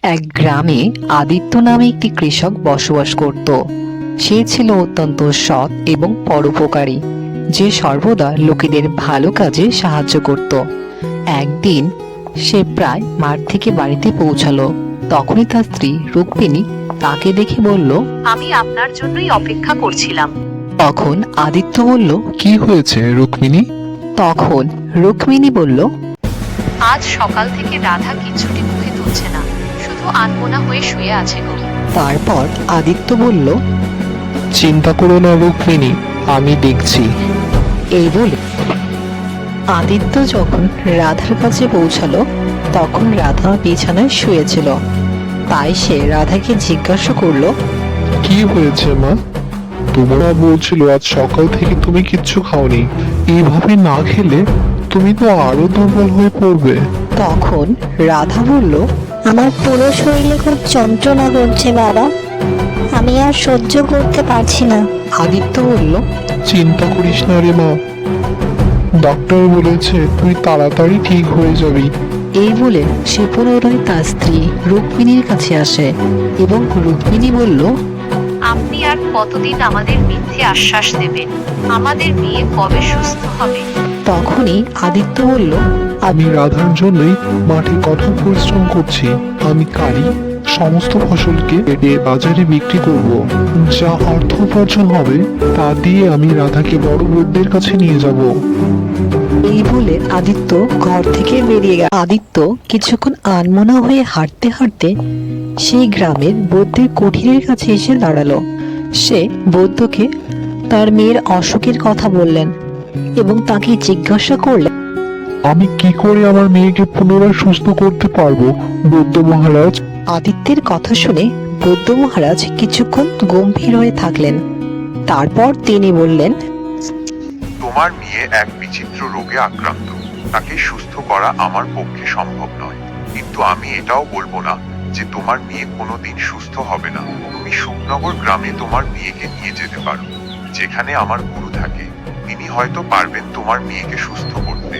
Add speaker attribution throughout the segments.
Speaker 1: এক গ্রামে আদিত্য নামে একটি কৃষক বসবাস করত। সে ছিল অত্যন্ত সৎ এবং পরোপকারী, যে সর্বদা লোকেদের ভালো কাজে সাহায্য করত। একদিন সে প্রায় মাঠ থেকে বাড়িতে পৌঁছালো। তখনই তার স্ত্রী রুক্মিণী তাকে দেখে বলল,
Speaker 2: আমি আপনার জন্যই অপেক্ষা করছিলাম।
Speaker 1: তখন আদিত্য বলল,
Speaker 3: কি হয়েছে রুক্মিণী?
Speaker 1: তখন রুক্মিণী বলল,
Speaker 2: আজ সকাল থেকে রাধা কিছুটি মুখে তুলছে না, শুধু আনমনা হয়ে শুয়ে আছে গো।
Speaker 1: তারপর আদিত্য বলল,
Speaker 3: চিন্তা করো না রুক্মিণী, আমি দেখছি।
Speaker 1: এই বলে আদিত্য যখন রাধার কাছে পৌঁছালো তখন রাধা বিছানায় শুয়েছিল। তাই সে রাধাকে জিজ্ঞাসা করলো,
Speaker 3: কি হয়েছে মা? তোমরা বলছিল আজ সকাল থেকে তুমি কিচ্ছু খাওনি। এইভাবে না খেলে তুমি তো আরো দুর্বল হয়ে পড়বে।
Speaker 1: তখন রাধা বলল,
Speaker 4: আমার পুরো শরীরে খুব যন্ত্রণা করছে বাবা, আমি আর সহ্য করতে পারছি না।
Speaker 1: আদিত্য বলল,
Speaker 3: চিন্তা করিস না রে মা, ডাক্তার বলেছে তুই তাড়াতাড়ি ঠিক হয়ে যাবি।
Speaker 1: এই বলে সে পুনরায় তার স্ত্রী রুক্মিণীর কাছে আসে এবং রুক্মিণী বলল,
Speaker 2: আপনি আর কতদিন আমাদের মিথ্যে আশ্বাস দেবেন? আমাদের মেয়ে কবে সুস্থ হবে?
Speaker 1: তখনই আদিত্য বলল,
Speaker 3: আমি রাধার জন্যই মাঠে কঠোর পরিশ্রম করছি। আমি কালই সমস্ত ফসলকে কেটে বাজারে বিক্রি করব। যা অর্থ উপার্জন হবে তা দিয়ে আমি রাধাকে বড় বৌদির কাছে নিয়ে যাব।
Speaker 1: এই বলে আদিত্য ঘর থেকে বেরিয়ে গেল। আদিত্য কিছুক্ষণ আনমনা হয়ে হাঁটতে হাঁটতে সেই গ্রামের বৌদ্ধের কুঠিরের কাছে এসে দাঁড়ালো। সে বৌদ্ধকে তার মেয়ের অসুখের কথা বললেন এবং তাকে জিজ্ঞাসা করলেন,
Speaker 3: আমি কি করে আমার মেয়েকে পুনরায় সুস্থ করতে পারবো বৌদ্ধ মহারাজ?
Speaker 1: আদিত্যের কথা শুনে বৌদ্ধ মহারাজ কিছুক্ষণ গম্ভীর হয়ে থাকলেন। তারপর তিনি বললেন,
Speaker 5: তোমার মেয়ে এক বিচিত্র রোগে আক্রান্ত। তাকে সুস্থ করা আমার পক্ষে সম্ভব নয়, কিন্তু আমি এটাও বলবো না যে তোমার মেয়ে কোনোদিন সুস্থ হবে না। তুমি সুখনগর গ্রামে তোমার মেয়েকে নিয়ে যেতে পারো, যেখানে আমার গুরু থাকে। তিনি হয়তো পারবেন তোমার মেয়েকে সুস্থ করতে।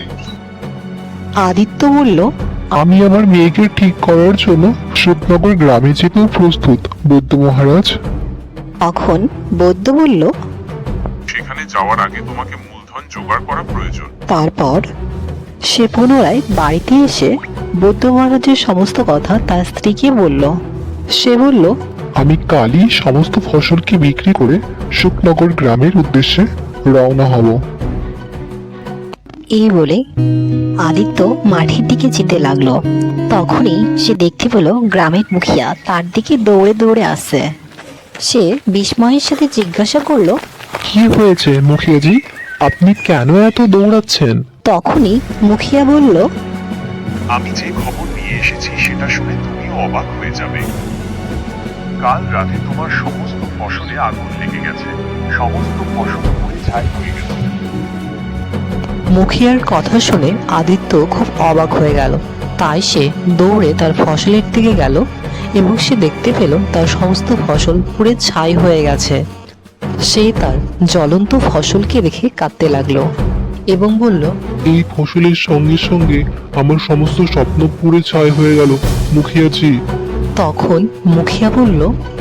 Speaker 1: আদিত্য বলল,
Speaker 3: আমি আমার মেয়েকে ঠিক করার জন্য সুখনগর গ্রামে যেতেও প্রস্তুত বৌদ্ধ মহারাজ।
Speaker 1: তখন বৌদ্ধ বলল,
Speaker 5: সেখানে যাওয়ার আগে তোমাকে মূলধন জোগাড় করা প্রয়োজন।
Speaker 1: তারপর সে পুনরায় বাড়িতে এসে বৌদ্ধ মহারাজের সমস্ত কথা তার স্ত্রীকে বলল। সে বলল,
Speaker 3: আমি কালই সমস্ত ফসলকে বিক্রি করে সুখনগর গ্রামের উদ্দেশ্যে রওনা হব।
Speaker 1: এই বলে আদিত্য মাঠের দিকে যেতে লাগলো। তখনই সে দেখতে পেল গ্রামের মুখিয়া তার দিকে দৌড়ে দৌড়ে আসছে। সে বিস্ময়ের সাথে জিজ্ঞাসা করলো,
Speaker 3: কি হয়েছে মুখিয়াজি, আপনি কেন এত দৌড়াচ্ছেন?
Speaker 1: তখনই মুখিয়া বলল,
Speaker 5: আমি যে খবর নিয়ে এসেছি সেটা শুনে তুমিও অবাক হয়ে যাবে। কাল রাতে তোমার সমস্ত ফসলে আগুন লেগে গেছে। সমস্ত ফসল পুড়ে ছাই হয়ে গেছে।
Speaker 1: মুখিয়ার কথা শুনে আদিত্য খুব অবাক হয়ে গেল। তাই সে দৌড়ে তার ফসলের দিকে গেল এবং সে দেখতে পেল তার সমস্ত ফসল পুড়ে ছাই হয়ে গেছে। সে তার জ্বলন্ত ফসলকে দেখে কাঁদতে লাগলো এবং বলল,
Speaker 3: এই ফসলের সঙ্গে সঙ্গে আমার সমস্ত স্বপ্ন পুড়ে ছাই হয়ে গেল মুখিয়াজি।
Speaker 1: তখন মুখিয়া বলল,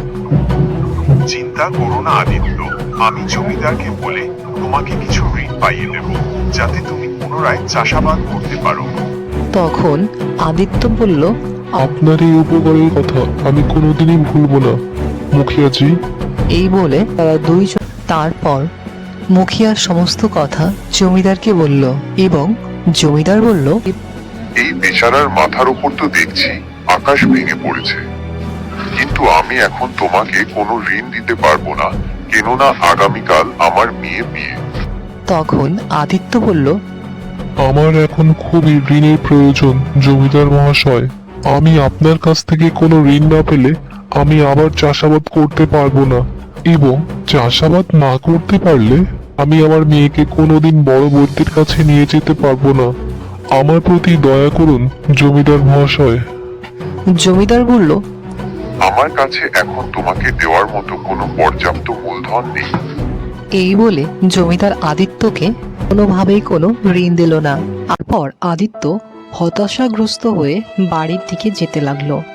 Speaker 5: চিন্তা করো না আদিত্য, আমি জমিদারকে বলে তোমাকে কিছু ঋণ পাইয়ে দেব, যাতে তুমি পুনরায় চাষাবাদ করতে পারো।
Speaker 1: তখন আদিত্য বলল,
Speaker 3: আপনার এই উপকারের কথা আমি কোনোদিনই ভুলবো না মুখিয়াজি।
Speaker 1: এই বলে তারা দুইজন তারপর মুখিয়ার সমস্ত কথা জমিদারকে বলল এবং জমিদার বলল,
Speaker 5: এই বেচারার মাথার উপর তো দেখছি আকাশ ভেঙে পড়েছে, কিন্তু আমি এখন তোমাকে কোনো ঋণ দিতে পারবো না, কেননা আগামীকাল আমার মেয়ে বিয়ে।
Speaker 1: তখন আদিত্য বলল,
Speaker 3: আমার এখন খুবই ঋণের প্রয়োজন জমিদার মহাশয়। আমি আপনার কাছ থেকে কোনো ঋণ না পেলে আমি আবার চাষাবাদ করতে পারবো না, এবং চাষাবাদ না করতে পারলে আমি আমার মেয়েকে কোনোদিন বড় বৌদির কাছে নিয়ে যেতে পারবো না। আমার প্রতি দয়া করুন জমিদার মহাশয়।
Speaker 1: জমিদার বলল,
Speaker 5: আমার কাছে এখন তোমাকে দেওয়ার মতো কোনো পর্যাপ্ত মূলধন নেই।
Speaker 1: এই বলে জমিদার আদিত্যকে কোনোভাবেই কোনো ঋণ দিল না। তারপর আদিত্য হতাশাগ্রস্ত হয়ে বাড়ির দিকে যেতে লাগলো।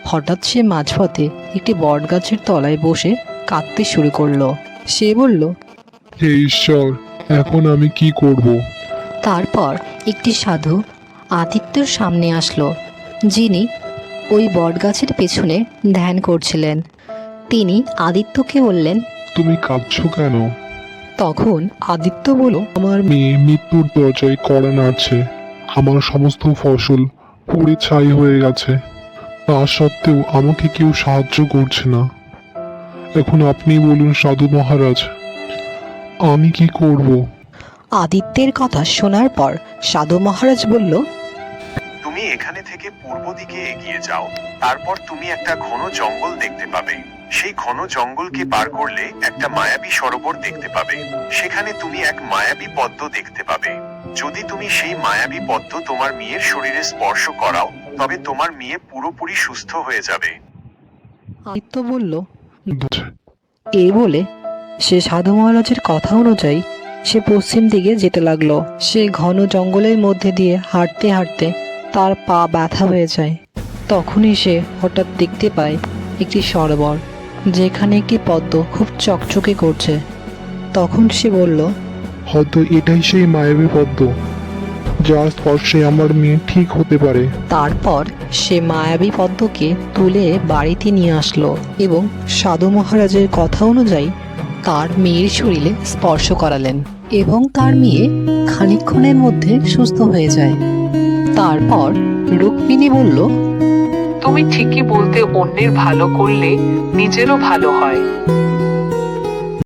Speaker 1: হঠাৎ সে মাঝপথে একটি বটগাছের তলায় বসে কাঁদতে শুরু করলো। সে বলল,
Speaker 3: হে ঈশ্বর, এখন আমি কি করব?
Speaker 1: তারপর একটি সাধু আদিত্যর সামনে আসলো, যিনি ওই বটগাছের পেছনে ধ্যান করছিলেন। তিনি আদিত্যকে বললেন,
Speaker 3: তুমি কাঁদছো কেন?
Speaker 1: তখন আদিত্য বলল,
Speaker 3: আমার মেয়ে মৃত্যুর দরজায় কড়া নাড়ছে। আমার সমস্ত ফসল পুড়ে ছাই হয়ে গেছে। তা সত্ত্বেও আমাকে কেউ সাহায্য করছে না। এখন আপনি বলুন সাধু মহারাজ, আমি কি করব?
Speaker 1: আদিত্যের কথা শোনার পর সাধু মহারাজ বলল,
Speaker 5: তুমি এখানে থেকে পূর্ব দিকে এগিয়ে যাও। তারপর তুমি একটা ঘন জঙ্গল দেখতে পাবে। সেই ঘন জঙ্গলকে পার করলে একটা মায়াবী সরোবর দেখতে পাবে। সেখানে তুমি এক মায়াবী পদ্ম দেখতে পাবে। যদি তুমি সেই মায়াবী পদ্ম তোমার মেয়ের শরীরে স্পর্শ করাও, তবে তোমার মেয়ে পুরোপুরি সুস্থ হয়ে যাবে।
Speaker 1: আদিত্য বলল, এই বলে সে সাধু মহারাজের কথা অনুযায়ী সে পশ্চিম দিকে যেতে লাগলো। সে ঘন জঙ্গলের মধ্যে দিয়ে হাঁটতে হাঁটতে তার পা ব্যথা হয়ে যায়। তখনই সে হঠাৎ দেখতে পায় একটি সরোবর, যেখানে একটি পদ্ম খুব চকচকে করছে। তখন সে বলল,
Speaker 3: হয়তো এটাই সেই মায়াবী পদ্ম, যার স্পর্শে আমার মেয়ে ঠিক হতে পারে।
Speaker 1: তারপর সে মায়াবী পদ্মকে তুলে বাড়িতে নিয়ে আসলো এবং সাধু মহারাজের কথা অনুযায়ী তার মেয়ের শরীরে স্পর্শ করালেন এবং তার মেয়ে খানিকক্ষণের মধ্যে সুস্থ হয়ে যায়। তারপর রুক্মিণী বলল,
Speaker 6: তুমি ঠিকই বলতে, অন্যের ভালো করলে নিজেরও ভালো হয়।